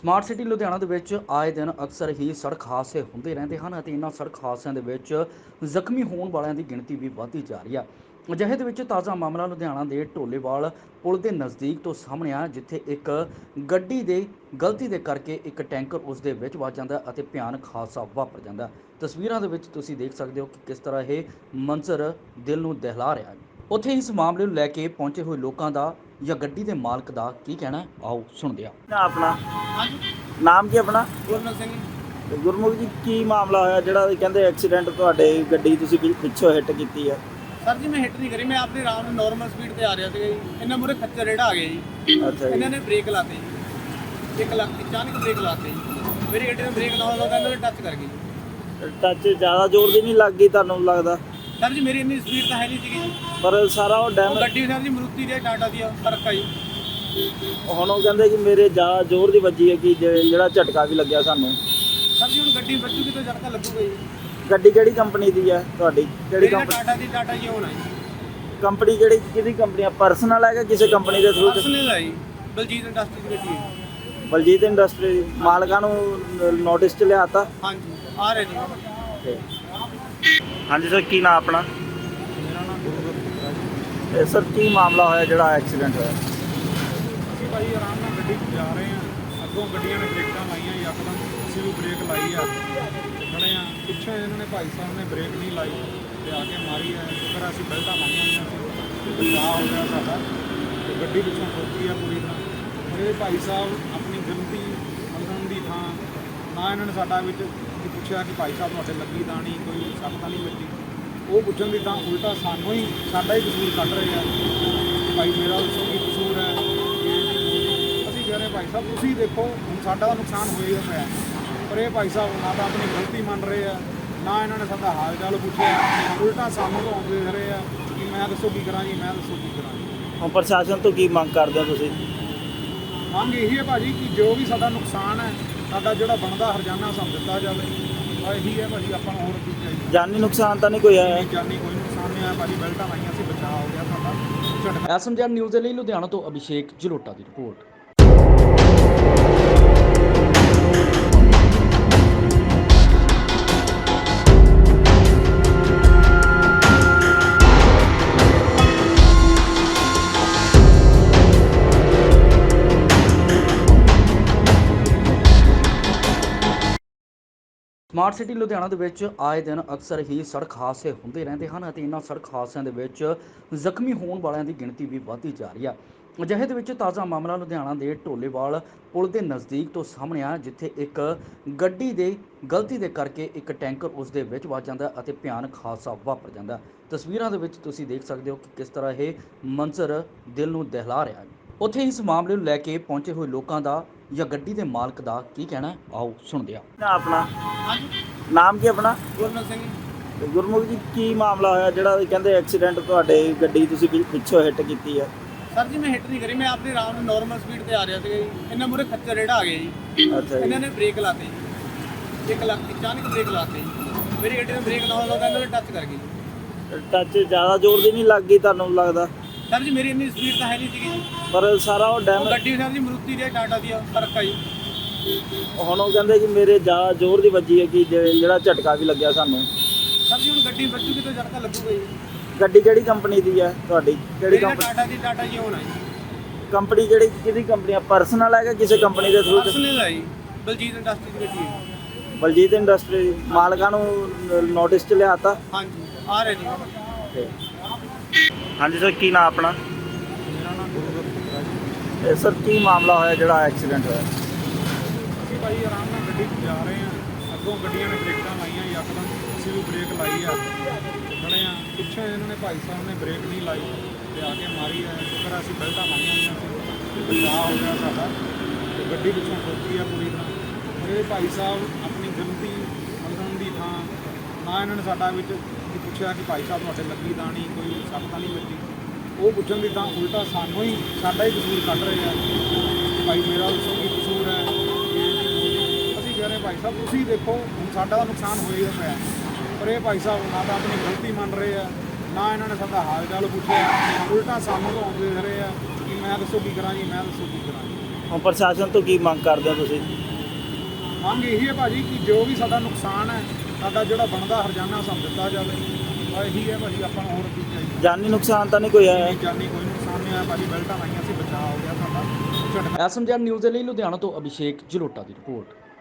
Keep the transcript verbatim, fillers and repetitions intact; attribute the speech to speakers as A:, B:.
A: Smart city Ludhiana ਦੇ ਵਿੱਚ ਆਏ ਦਿਨ ਅਕਸਰ ਹੀ ਸੜਕ ਹਾਦਸੇ ਹੁੰਦੇ ਰਹਿੰਦੇ ਹਨ ਅਤੇ ਇਹਨਾਂ ਸੜਕ ਹਾਦਸਿਆਂ ਦੇ ਵਿੱਚ ਜ਼ਖਮੀ ਹੋਣ ਵਾਲਿਆਂ ਦੀ ਗਿਣਤੀ ਵੀ ਵੱਧਦੀ ਜਾ ਰਹੀ ਹੈ। ਅਜਿਹੇ ਦੇ ਵਿੱਚ ਤਾਜ਼ਾ ਮਾਮਲਾ ਲੁਧਿਆਣਾ ਦੇ ਢੋਲੇਵਾਲ ਪੁਲ ਦੇ ਨਜ਼ਦੀਕ ਤੋਂ ਸਾਹਮਣੇ ਆ, ਜਿੱਥੇ ਇੱਕ ਗੱਡੀ ਦੇ ਗਲਤੀ ਦੇ ਕਰਕੇ ਇੱਕ ਟੈਂਕਰ ਉਸ ਦੇ ਵਿੱਚ ਵੱਜ ਜਾਂਦਾ ਅਤੇ ਭਿਆਨਕ ਹਾਦਸਾ ਵਾਪਰ ਜਾਂਦਾ। ਤਸਵੀਰਾਂ ਦੇ ਵਿੱਚ ਤੁਸੀਂ ਦੇਖ ਸਕਦੇ ਹੋ ਕਿ ਕਿਸ ਤਰ੍ਹਾਂ ਇਹ ਮੰਜ਼ਰ ਦਿਲ ਨੂੰ ਦਹਿਲਾ ਰਿਹਾ ਹੈ। ਉੱਥੇ ਇਸ ਮਾਮਲੇ ਨੂੰ ਲੈ ਕੇ ਪਹੁੰਚੇ ਹੋਏ ਲੋਕਾਂ ਦਾ ਜਾਂ ਗੱਡੀ ਦੇ ਮਾਲਕ ਦਾ ਕੀ ਕਹਿਣਾ ਹੈ, ਆਓ ਸੁਣਦੇ ਹਾਂ।
B: ਨਾ ਆਪਣਾ
C: ਹਾਂਜੀ,
B: ਨਾਮ ਕੀ ਆਪਣਾ?
C: ਗੁਰਨਲ ਸਿੰਘ।
B: ਤੇ ਗੁਰਮੁਖ ਜੀ, ਕੀ ਮਾਮਲਾ ਹੋਇਆ ਜਿਹੜਾ ਕਹਿੰਦੇ ਐਕਸੀਡੈਂਟ ਤੁਹਾਡੇ ਗੱਡੀ ਤੁਸੀਂ ਪਿ- ਪਿੱਛੋਂ ਹਿੱਟ ਕੀਤੀ ਹੈ?
C: ਸਰ ਜੀ, ਮੈਂ ਹਿੱਟ ਨਹੀਂ ਕਰੀ, ਮੈਂ ਆਪਣੀ ਆਰਾਮ ਨਾਲ ਨਾਰਮਲ ਸਪੀਡ ਤੇ ਆ ਰਿਹਾ ਸੀਗਾ ਜੀ। ਇਹਨਾਂ ਮੂਹਰੇ ਖੱਚਰ ਰੇੜਾ ਆ ਗਿਆ ਜੀ।
B: ਅੱਛਾ
C: ਇਹਨਾਂ
B: ਜੀ।
C: ਨੇ ਬ੍ਰੇਕ ਲਾਤੇ ਜੀ, ਇੱਕ ਲੱਖ ਅਚਾਨਕ ਬ੍ਰੇਕ ਲਾਤੇ ਜੀ। ਮੇਰੀ ਗੱਡੀ ਨੇ ਬ੍ਰੇਕ ਲਾਉਣ ਲੱਗਾ, ਇਹਨਾਂ ਨੇ ਟੱਚ ਕਰ ਗਈ ਜੀ।
B: ਟੱਚ ਜ਼ਿਆਦਾ ਜ਼ੋਰ ਦੀ ਨਹੀਂ ਲੱਗ ਗਈ ਤੁਹਾਨੂੰ ਲੱਗਦਾ?
C: ਸਰ ਜੀ, ਮੇਰੀ ਇੰਨੀ ਸਪੀਡ ਤਾਂ ਹੈ ਨਹੀਂ ਸੀਗੀ ਜੀ।
B: ਪਰ ਸਾਰਾ ਉਹ
C: ਉਹ
B: ਡੈਮ
C: ਗੱਡੀ ਸਰ ਜੀ ਮਰੂਤੀ ਦੀ ਟਾਟਾ ਦੀ ਆ, ਫਰਕ ਆ ਜੀ।
B: ਹੁਣ ਉਹ ਕਹਿੰਦੇ ਕਿ ਮੇਰੇ ਜ਼ਿਆਦਾ ਜ਼ੋਰ ਦੀ ਵੱਜੀ ਹੈ ਕਿ ਜੇ- ਜਿਹੜਾ ਝਟਕਾ ਵੀ ਲੱਗਿਆ ਸਾਨੂੰ।
C: ਸਰ ਜੀ, ਹੁਣ ਗੱਡੀ ਵੱਜੂਗੀ ਤਾਂ ਝਟਕਾ ਲੱਗੂਗਾ ਜੀ।
B: ਗੱਡੀ ਕਿਹੜੀ ਕੰਪਨੀ ਦੀ ਹੈ ਤੁਹਾਡੀ? ਕਿਹੜੀ
C: ਮੇਰੀ ਨਾ
B: ਕੰਪਨੀ?
C: ਟਾਟਾ ਦੀ ਟਾਟਾ ਜੀ ਹੋਣਾ ਜੀ।
B: ਕੰਪਨੀ ਕਿਹੜੀ ਕਿਹਦੀ ਕੰਪਨੀ ਆ? ਪਰਸਨਲ ਹੈ ਕਿ ਕਿਸੇ ਕੰਪਨੀ ਦੇ ਥਰੂ?
C: ਪਰਸਨਲ ਆ ਜੀ, ਬਲਜੀਤ ਇੰਡਸਟਰੀ ਦੀ ਗੱਡੀ ਹੈ।
B: ਬਲਜੀਤ ਇੰਡਸਟਰੀ ਮਾਲਕਾਂ ਨੂੰ ਨੋਟਿਸ ਚ ਲਿਆਤਾ?
C: ਹਾਂਜੀ, ਆ ਰਹੇ ਜੀ।
B: ਹਾਂਜੀ ਸਰ, ਕੀ ਨਾਮ ਆਪਣਾ?
C: ਮੇਰਾ ਨਾਮ ਗੁਰਗੁਰ ਹੈ ਜੀ।
B: ਇਹ ਸਰ ਕੀ ਮਾਮਲਾ ਹੋਇਆ ਜਿਹੜਾ ਐਕਸੀਡੈਂਟ ਹੋਇਆ?
D: ਅਸੀਂ ਭਾਈ ਆਰਾਮ ਨਾਲ ਗੱਡੀ 'ਚ ਜਾ ਰਹੇ ਹਾਂ, ਅੱਗੋਂ ਗੱਡੀਆਂ ਨੇ ਬ੍ਰੇਕਾਂ ਲਾਈਆਂ, ਯਕਦਮ ਅਸੀਂ ਵੀ ਬ੍ਰੇਕ ਲਾਈ ਆ ਤੇ ਖੜੇ ਆ। ਪਿੱਛੋਂ ਇਹਨਾਂ ਨੇ ਭਾਈ ਸਾਹਿਬ ਨੇ ਬ੍ਰੇਕ ਨਹੀਂ ਲਾਈ ਤੇ ਆ ਕੇ ਮਾਰੀ ਹੈ। ਸ਼ੁਕਰ ਅਸੀਂ ਬੈਲਟਾਂ ਲਾਈਆਂ ਹੋਈਆਂ ਸੀ ਤੇ ਬਚਾਅ ਹੋ ਗਿਆ ਸਾਡਾ ਤੇ ਗੱਡੀ ਪਿੱਛੋਂ ਠੋਕੀ ਆ ਪੂਰੀ ਤਰ੍ਹਾਂ। ਮੇਰੇ ਭਾਈ ਸਾਹਿਬ ਆਪਣੀ ਗਲਤੀ ਮੰਨਣ ਦੀ ਥਾਂ ਨਾ ਇਹਨਾਂ ਨੇ ਸਾਡਾ ਵਿੱਚ ਵੀ ਪੁੱਛਿਆ ਕਿ ਭਾਈ ਸਾਹਿਬ ਤੁਹਾਡੇ ਲੱਗੀ ਤਾਂ ਨਹੀਂ, ਕੋਈ ਸੱਟ ਤਾਂ ਨਹੀਂ ਵੱਜੀ। ਉਹ ਪੁੱਛਣ ਦੀ ਤਾਂ ਉਲਟਾ ਸਾਨੂੰ ਹੀ ਸਾਡਾ ਹੀ ਕਸੂਰ ਕੱਢ ਰਹੇ ਆ ਕਿ ਭਾਈ ਮੇਰਾ ਦੱਸੋ ਕੀ ਕਸੂਰ ਹੈ। ਅਸੀਂ ਕਹਿ ਰਹੇ ਭਾਈ ਸਾਹਿਬ ਤੁਸੀਂ ਦੇਖੋ, ਹੁਣ ਸਾਡਾ ਤਾਂ ਨੁਕਸਾਨ ਹੋਏਗਾ ਪਿਆ, ਪਰ ਇਹ ਭਾਈ ਸਾਹਿਬ ਨਾ ਤਾਂ ਆਪਣੀ ਗਲਤੀ ਮੰਨ ਰਹੇ ਆ, ਨਾ ਇਹਨਾਂ ਨੇ ਸਾਡਾ ਹਾਲ ਚਾਲ ਪੁੱਛਿਆ, ਉਲਟਾ ਸਾਨੂੰ ਲਾਉਂਦੇ ਰਹੇ ਆ ਕਿ ਮੈਂ ਦੱਸੋ ਕੀ ਕਰਾਂ ਜੀ, ਮੈਂ ਦੱਸੋ ਕੀ ਕਰਾਂ ਜੀ।
B: ਹੁਣ ਪ੍ਰਸ਼ਾਸਨ ਤੋਂ ਕੀ ਮੰਗ ਕਰਦੇ ਹੋ ਤੁਸੀਂ?
D: ਮੰਗ ਇਹੀ ਹੈ ਭਾਜੀ ਕਿ ਜੋ ਵੀ ਸਾਡਾ ਨੁਕਸਾਨ ਹੈ, ਸਾਡਾ ਜਿਹੜਾ ਬਣਦਾ ਹਰਜਾਨਾ ਸਾਨੂੰ ਦਿੱਤਾ ਜਾਵੇ। ਆਹ ਇਹੀ ਹੈ ਭਾਜੀ, ਆਪਾਂ ਨੂੰ ਹੋਰ ਕੀ ਚਾਹੀਦਾ।
B: ਜਾਨੀ ਨੁਕਸਾਨ ਤਾਂ ਨਹੀਂ ਕੋਈ ਆਇਆ?
D: ਜਾਨੀ ਕੋਈ ਨੁਕਸਾਨ ਨਹੀਂ ਆਇਆ ਭਾਜੀ, ਬੈਲਟਾਂ ਲਾਈਆਂ ਸੀ, ਬਚਾਅ ਹੋ ਗਿਆ ਸਾਡਾ ਝਟਕਾ।
A: ਐਸਐਮਜੀ ਨਿਊਜ਼ ਦੇ ਲਈ ਲੁਧਿਆਣਾ ਤੋਂ ਅਭਿਸ਼ੇਕ ਜਲੋਟਾ ਦੀ ਰਿਪੋਰਟ। ਸਮਾਰਟ ਸਿਟੀ ਲੁਧਿਆਣਾ ਦੇ ਵਿੱਚ ਆਏ ਦਿਨ ਅਕਸਰ ਹੀ ਸੜਕ ਹਾਦਸੇ ਹੁੰਦੇ ਰਹਿੰਦੇ ਹਨ ਅਤੇ ਇਹਨਾਂ ਸੜਕ ਹਾਦਸਿਆਂ ਦੇ ਵਿੱਚ ਜ਼ਖਮੀ ਹੋਣ ਵਾਲਿਆਂ ਦੀ ਗਿਣਤੀ ਵੀ ਵੱਧਦੀ ਜਾ ਰਹੀ ਹੈ। ਅਜਿਹੇ ਦੇ ਵਿੱਚ ਤਾਜ਼ਾ ਮਾਮਲਾ ਲੁਧਿਆਣਾ ਦੇ ਢੋਲੇਵਾਲ ਪੁਲ ਦੇ ਨਜ਼ਦੀਕ ਤੋਂ ਸਾਹਮਣੇ ਆ, ਜਿੱਥੇ ਇੱਕ ਗੱਡੀ ਦੇ ਗਲਤੀ ਦੇ ਕਰਕੇ ਇੱਕ ਟੈਂਕਰ ਉਸ ਦੇ ਵਿੱਚ ਵੱਜ ਜਾਂਦਾ ਅਤੇ ਭਿਆਨਕ ਹਾਦਸਾ ਵਾਪਰ ਜਾਂਦਾ। ਤਸਵੀਰਾਂ ਦੇ ਵਿੱਚ ਤੁਸੀਂ ਦੇਖ ਸਕਦੇ ਹੋ ਕਿ ਕਿਸ ਤਰ੍ਹਾਂ ਇਹ ਮੰਜ਼ਰ ਦਿਲ ਨੂੰ ਦਹਿਲਾ ਰਿਹਾ ਹੈ। ਉੱਥੇ ਇਸ ਮਾਮਲੇ ਨੂੰ ਲੈ ਕੇ ਪਹੁੰਚੇ ਹੋਏ ਲੋਕਾਂ ਦਾ ਜਾਂ ਗੱਡੀ ਦੇ ਮਾਲਕ ਦਾ ਕੀ ਕਹਿਣਾ ਹੈ, ਆਓ ਸੁਣਦੇ ਹਾਂ।
B: ਨਾ ਆਪਣਾ
C: ਹਾਂਜੀ,
B: ਨਾਮ ਕੀ ਆਪਣਾ?
C: ਗੁਰਨਲ ਸਿੰਘ।
B: ਤੇ ਗੁਰਮੁਖ ਜੀ, ਕੀ ਮਾਮਲਾ ਹੋਇਆ ਜਿਹੜਾ ਕਹਿੰਦੇ ਐਕਸੀਡੈਂਟ ਤੁਹਾਡੇ ਗੱਡੀ ਤੁਸੀਂ ਪਿ- ਪਿੱਛੋਂ ਹਿੱਟ ਕੀਤੀ ਹੈ?
C: ਸਰ ਜੀ, ਮੈਂ ਹਿੱਟ ਨਹੀਂ ਕਰੀ, ਮੈਂ ਆਪਣੀ ਆਰਾਮ ਨਾਲ ਨਾਰਮਲ ਸਪੀਡ ਤੇ ਆ ਰਿਹਾ ਸੀਗਾ ਜੀ। ਇਹਨਾਂ ਮੂਹਰੇ ਖੱਚਰ ਰੇੜਾ ਆ ਗਿਆ ਜੀ।
B: ਅੱਛਾ
C: ਇਹਨਾਂ
B: ਜੀ।
C: ਨੇ ਬ੍ਰੇਕ ਲਾਤੇ ਜੀ, ਇੱਕ ਲੱਖ ਅਚਾਨਕ ਬ੍ਰੇਕ ਲਾਤੇ ਜੀ। ਮੇਰੀ ਗੱਡੀ ਨੇ ਬ੍ਰੇਕ ਲਾਉਣ ਲੱਗਾ, ਇਹਨਾਂ ਨੇ ਟੱਚ ਕਰ ਗਈ ਜੀ।
B: ਟੱਚ ਜ਼ਿਆਦਾ ਜ਼ੋਰ ਦੀ ਨਹੀਂ ਲੱਗ ਗਈ ਤੁਹਾਨੂੰ ਲੱਗਦਾ?
C: ਸਰ ਜੀ, ਮੇਰੀ ਇੰਨੀ ਸਪੀਡ ਤਾਂ ਹੈ ਨਹੀਂ ਸੀਗੀ ਜੀ।
B: ਪਰ ਸਾਰਾ ਉਹ
C: ਉਹ
B: ਡੈਮ
C: ਗੱਡੀ ਸਰ ਜੀ ਮਰੂਤੀ ਦੀ ਟਾਟਾ ਦੀ ਆ, ਫਰਕ ਆ ਜੀ।
B: ਹੁਣ ਉਹ ਕਹਿੰਦੇ ਕਿ ਮੇਰੇ ਜ਼ਿਆਦਾ ਜ਼ੋਰ ਦੀ ਵੱਜੀ ਹੈ ਕਿ ਜੇ- ਜਿਹੜਾ ਝਟਕਾ ਵੀ ਲੱਗਿਆ ਸਾਨੂੰ।
C: ਸਰ ਜੀ, ਹੁਣ ਗੱਡੀ ਵੱਜੂਗੀ ਤਾਂ ਝਟਕਾ ਲੱਗੂਗਾ ਜੀ।
B: ਗੱਡੀ ਕਿਹੜੀ ਕੰਪਨੀ ਦੀ ਹੈ ਤੁਹਾਡੀ? ਕਿਹੜੀ
C: ਮੇਰੀ ਨਾ
B: ਕੰਪਨੀ?
C: ਟਾਟਾ ਦੀ ਟਾਟਾ ਜੀ ਹੋਣਾ ਜੀ।
B: ਕੰਪਨੀ ਕਿਹੜੀ ਕਿਹਦੀ ਕੰਪਨੀ ਆ? ਪਰਸਨਲ ਹੈ ਕਿ ਕਿਸੇ ਕੰਪਨੀ ਦੇ ਥਰੂ?
C: ਪਰਸਨਲ ਆ ਜੀ, ਬਲਜੀਤ ਇੰਡਸਟਰੀ ਦੀ ਗੱਡੀ ਹੈ।
B: ਬਲਜੀਤ ਇੰਡਸਟਰੀ ਮਾਲਕਾਂ ਨੂੰ ਨੋਟਿਸ ਚ ਲਿਆਤਾ?
C: ਹਾਂਜੀ, ਆ ਰਹੇ ਜੀ।
B: ਹਾਂਜੀ ਸਰ, ਕੀ ਨਾਮ ਆਪਣਾ?
D: ਮੇਰਾ ਨਾਮ ਗੁਰਗੁਰ ਹੈ ਜੀ।
B: ਇਹ ਸਰ ਕੀ ਮਾਮਲਾ ਹੋਇਆ ਜਿਹੜਾ ਐਕਸੀਡੈਂਟ ਹੋਇਆ?
D: ਅਸੀਂ ਭਾਈ ਆਰਾਮ ਨਾਲ ਗੱਡੀ 'ਚ ਜਾ ਰਹੇ ਹਾਂ, ਅੱਗੋਂ ਗੱਡੀਆਂ ਨੇ ਬ੍ਰੇਕਾਂ ਲਾਈਆਂ, ਯਕਦਮ ਅਸੀਂ ਵੀ ਬ੍ਰੇਕ ਲਾਈ ਆ ਤੇ ਖੜੇ ਆ। ਪਿੱਛੋਂ ਇਹਨਾਂ ਨੇ ਭਾਈ ਸਾਹਿਬ ਨੇ ਬ੍ਰੇਕ ਨਹੀਂ ਲਾਈ ਤੇ ਆ ਕੇ ਮਾਰੀ ਹੈ। ਸ਼ੁਕਰ ਅਸੀਂ ਬੈਲਟਾਂ ਲਾਈਆਂ ਹੋਈਆਂ ਸੀ ਤੇ ਬਚਾਅ ਹੋ ਗਿਆ ਸਾਡਾ ਤੇ ਗੱਡੀ ਪਿੱਛੋਂ ਠੋਕੀ ਆ ਪੂਰੀ ਤਰ੍ਹਾਂ। ਮੇਰੇ ਭਾਈ ਸਾਹਿਬ ਆਪਣੀ ਗਲਤੀ ਮੰਨਣ ਦੀ ਥਾਂ ਨਾ ਇਹਨਾਂ ਨੇ ਸਾਡਾ ਵਿੱਚ ਵੀ ਪੁੱਛਿਆ ਕਿ ਭਾਈ ਸਾਹਿਬ ਤੁਹਾਡੇ ਲੱਗੀ ਤਾਂ ਨਹੀਂ, ਕੋਈ ਸੱਟ ਤਾਂ ਨਹੀਂ ਵੱਜੀ। ਉਹ ਪੁੱਛਣ ਦੀ ਤਾਂ ਉਲਟਾ ਸਾਨੂੰ ਹੀ ਸਾਡਾ ਹੀ ਕਸੂਰ ਕੱਢ ਰਹੇ ਆ ਕਿ ਭਾਈ ਮੇਰਾ ਦੱਸੋ ਕੀ ਕਸੂਰ ਹੈ। ਅਸੀਂ ਕਹਿ ਰਹੇ ਭਾਈ ਸਾਹਿਬ ਤੁਸੀਂ ਦੇਖੋ, ਹੁਣ ਸਾਡਾ ਤਾਂ ਨੁਕਸਾਨ ਹੋਏਗਾ ਪਿਆ, ਪਰ ਇਹ ਭਾਈ ਸਾਹਿਬ ਨਾ ਤਾਂ ਆਪਣੀ ਗਲਤੀ ਮੰਨ ਰਹੇ ਆ, ਨਾ ਇਹਨਾਂ ਨੇ ਸਾਡਾ ਹਾਲ ਚਾਲ ਪੁੱਛਿਆ, ਉਲਟਾ ਸਾਨੂੰ ਲਾਉਂਦੇ ਰਹੇ ਆ ਕਿ ਮੈਂ ਦੱਸੋ ਕੀ ਕਰਾਂ ਜੀ, ਮੈਂ ਦੱਸੋ ਕੀ ਕਰਾਂ ਜੀ।
B: ਹੁਣ ਪ੍ਰਸ਼ਾਸਨ ਤੋਂ ਕੀ ਮੰਗ ਕਰਦੇ ਹੋ ਤੁਸੀਂ?
D: ਮੰਗ ਇਹੀ ਹੈ ਭਾਜੀ ਕਿ ਜੋ ਵੀ ਸਾਡਾ ਨੁਕਸਾਨ ਹੈ, ਸਾਡਾ ਜਿਹੜਾ ਬਣਦਾ ਹਰਜਾਨਾ ਸਾਨੂੰ ਦਿੱਤਾ ਜਾਵੇ। ਬਸ ਇਹੀ ਹੈ ਭਾਜੀ, ਆਪਾਂ ਨੂੰ ਹੋਰ ਕੀ ਚਾਹੀਦਾ।
B: ਜਾਨੀ ਨੁਕਸਾਨ ਤਾਂ ਨਹੀਂ ਕੋਈ ਆਇਆ?
D: ਜਾਨੀ ਕੋਈ ਨੁਕਸਾਨ ਨਹੀਂ ਹੋਇਆ ਭਾਜੀ, ਬੈਲਟਾਂ ਲਾਈਆਂ ਸੀ, ਬਚਾਅ ਹੋ ਗਿਆ ਸਾਡਾ।
A: ਐਸਐਮਜੀ ਨਿਊਜ਼ ਦੇ ਲਈ ਲੁਧਿਆਣਾ ਤੋਂ ਅਭਿਸ਼ੇਕ ਜਲੋਟਾ ਦੀ ਰਿਪੋਰਟ।